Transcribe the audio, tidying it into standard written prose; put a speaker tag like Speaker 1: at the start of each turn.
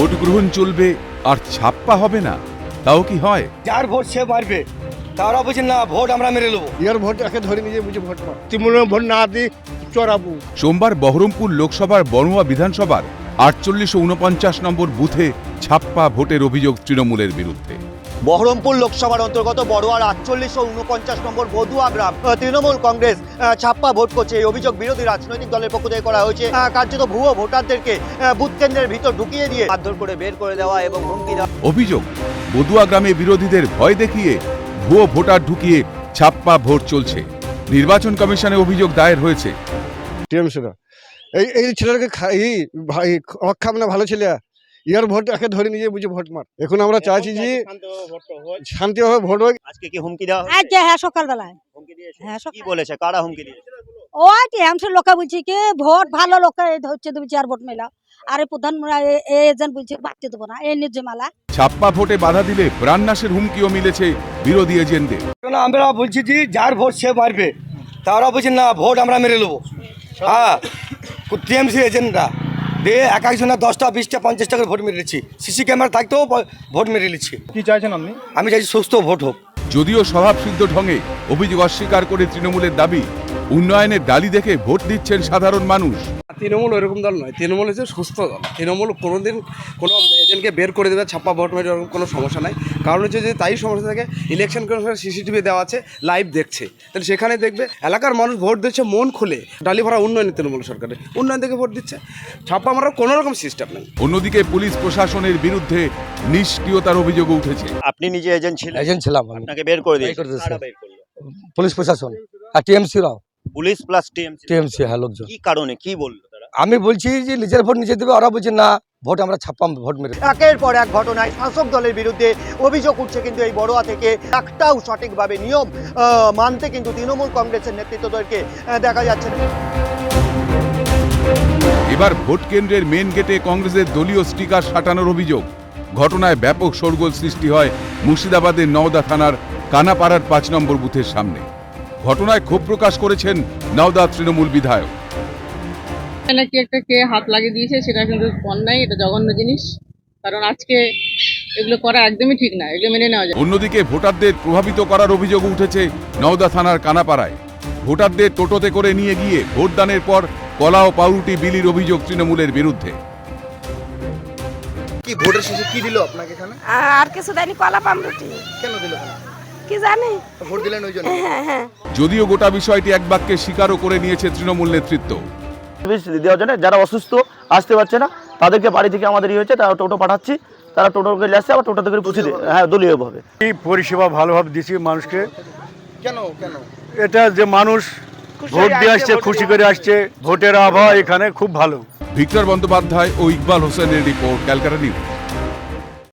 Speaker 1: Vote গ্রহণ চলবে আর ছাপ্পা হবে না, তাও কি হয়?
Speaker 2: যার ভোট সে মারবে, তারা বলছেন না ভোট আমরা মেরে নেবো।
Speaker 3: ইয়ার ভোট একে ধরে নিজে বুঝে ভোট পায়, তৃণমূলের ভোট না দিই চড়াবো।
Speaker 1: সোমবার বহরমপুর লোকসভার বড়ুয়া বিধানসভার 48 ও 49 নম্বর বুথে ছাপ্পা ভোটের অভিযোগ তৃণমূলের বিরুদ্ধে।
Speaker 4: বহরমপুর লোকসভার অন্তর্গত বড়ুয়ার 48 ও 49 নম্বর বদুয়া গ্রাম তৃণমূল কংগ্রেস ছাপ্পা ভোট করছে। এই অভিযোগ বিরোধী রাজনৈতিক দলের পক্ষ থেকে করা হয়েছে। কার্যত ভুয়ো ভোটারদেরকে বুথ কেন্দ্রের ভিতর ঢুকিয়ে দিয়ে মারধর করে বের করে দেওয়া এবং হুমকি দেওয়া।
Speaker 1: অভিযোগ, বদুয়া গ্রামে বিরোধীদের ভয় দেখিয়ে ভুয়ো ভোটার ঢুকিয়ে ছাপ্পা ভোট চলছে। নির্বাচন কমিশনে অভিযোগ দায়ের হয়েছে।
Speaker 3: টিএমসিরা এই ছেলেটাকে অক্ষাম না ভালো ছেলে, ইয়ার ভোট একে ধরে নিজে বুঝে ভোট মার। এখন আমরা চাইছি যে শান্তিভাবে ভোট হোক।
Speaker 4: আজকে কি হুমকি দেওয়া হয়েছে?
Speaker 5: আজকে হ্যাঁ সকালবেলায়
Speaker 4: হুমকি দিয়েছে?
Speaker 5: হ্যাঁ
Speaker 4: কি বলেছে? কারা হুমকি দিয়েছে?
Speaker 5: ওই টিএমসির লোকে বলছি কি ভোট ভালো লোকে হচ্ছে তুমি চার ভোট মেলা, আর এই প্রধান এজেন্ট বলছে বাড়তে দেবো না, এই নির্জমালা।
Speaker 1: ছাপ্পা ভোটে বাধা দিলে প্রাণনাশের হুমকিও মিলেছে বিরোধী এজেন্টদের।
Speaker 2: আমরা বলছি যে যার ভোট সে মারবে, তারা বলছেন না ভোট আমরা মেরে নেবো। হ্যাঁ, টিএমসি এজেন্টরা দিয়ে এক একজনের 10টা 20টা 50টা করে ভোট মেরেছি। সিসি ক্যামেরা থাকতেও ভোট মেরে নিচ্ছি।
Speaker 6: কি চাইছেন আপনি?
Speaker 2: আমি চাইছি সুস্থ ভোট হোক।
Speaker 1: যদিও স্বভাবসিদ্ধ ঢঙে অভিযোগ অস্বীকার করে তৃণমূলের দাবি, উন্নয়নের ডালি দেখে ভোট দিচ্ছেন সাধারণ মানুষ।
Speaker 7: তৃণমূল ওইরকম দল নয়, তৃণমূল হচ্ছে সুস্থ দল। তৃণমূল কোনোদিন কোনো এজেন্টকে বের করে দেবে ছাপ্পা ভোট মেরে ওরকম কোনো সমস্যা নাই। কারণ হচ্ছে যে তাই সমস্যা থাকে, ইলেকশন কমিশনের সিসিটিভি দেওয়া আছে, লাইভ দেখছে, তাহলে সেখানে দেখবে এলাকার মানুষ ভোট দিচ্ছে মন খুলে। ডালি ভরা উন্নয়নের তৃণমূল সরকারের উন্নয়ন দেখে ভোট দিচ্ছে, ছাপ্পা মারার কোনো রকম সিস্টেম নেই।
Speaker 1: অন্যদিকে পুলিশ প্রশাসনের বিরুদ্ধে নিষ্ক্রিয়তার অভিযোগও উঠেছে।
Speaker 4: আপনি নিজে এজেন্ট ছিলেন?
Speaker 8: এজেন্ট ছিলাম আমি,
Speaker 4: আপনাকে বের করে দিয়েছে?
Speaker 8: দিয়েছে।
Speaker 4: কারা বের করলো?
Speaker 8: পুলিশ প্রশাসন আর টিএমসিরাও।
Speaker 4: Police plus TMC?
Speaker 8: টিএমসি হ্যাঁ লোকজন।
Speaker 4: কি কারণে, কি বললো তারা?
Speaker 8: আমি বলছি যে নিজের ভোট নিজে দেবে, ওরা বলছে না ভোট আমরা ছাপ্পা ভোট মেরে।
Speaker 4: একের পর এক ঘটনায় শাসক দলের বিরুদ্ধে অভিযোগ উঠছে, কিন্তু এই বড়ুয়া থেকে একটাও সঠিকভাবে নিয়ম মানতে কিন্তু তৃণমূল কংগ্রেসের নেতৃত্বদেরকে দেখা যাচ্ছে না।
Speaker 1: এবার ভোট কেন্দ্রের মেন গেটে কংগ্রেসের দলীয় স্টিকার সাটানোর অভিযোগ। ঘটনায় ব্যাপক শোরগোল সৃষ্টি হয় মুর্শিদাবাদের নওদা থানার কানাপাড়ার 5 নম্বর বুথের সামনে। ঘটনায় ক্ষোভ প্রকাশ করেছেন নওদা তৃণমূল বিধায়ক।
Speaker 9: নাকি একটা কে হাত লাগিয়ে দিয়েছে, সেটা কিন্তু অন্যায়, এটা জঘন্য জিনিস। কারণ আজকে এগুলো করা একদমই ঠিক না, এগুলো মেনে নেওয়া যায়।
Speaker 1: অন্যদিকে ভোটারদের প্রভাবিত করার অভিযোগ উঠেছে নওদা থানার কানাপাড়ায়। ভোটারদের টোটোতে করে নিয়ে গিয়ে ভোটদানের পর কলা ও পাউরুটি বিলির অভিযোগ তৃণমূলের বিরুদ্ধে।
Speaker 6: কি ভোটের শেষে কি দিল আপনাকে এখানে?
Speaker 5: আর কিছু দেয়নি, কলা পামরুটি।
Speaker 6: কেন দিল?
Speaker 5: কি জানি,
Speaker 6: ভোট দিলেন ওই জন্য?
Speaker 5: হ্যাঁ হ্যাঁ।
Speaker 1: যদিও গোটা বিষয়টি এক বাক্যে স্বীকারও করে নিয়েছে তৃণমূল নেতৃত্ব।
Speaker 10: দেওয়ার জন্য যারা অসুস্থ আসতে পারছে না তাদেরকে বাড়ি থেকে আমাদের হয়েছে, তারা টোটো পাঠাচ্ছি, তারা টোটোকে নিয়ে আসছে, আবার টোটো থেকে পৌঁছে দেয়। হ্যাঁ, দলীয়ভাবে
Speaker 3: এই পরিষেবা ভালোভাবে দিচ্ছি মানুষকে।
Speaker 6: কেন কেন?
Speaker 3: এটা যে মানুষ ভোট দিয়ে আসছে, খুশি করে আসছে, ভোটের আবহাওয়া এখানে খুব ভালো।
Speaker 1: ভিক্টর বন্দ্যোপাধ্যায় ও ইকবাল হোসেনের রিপোর্ট, ক্যালকাটা নিউজ।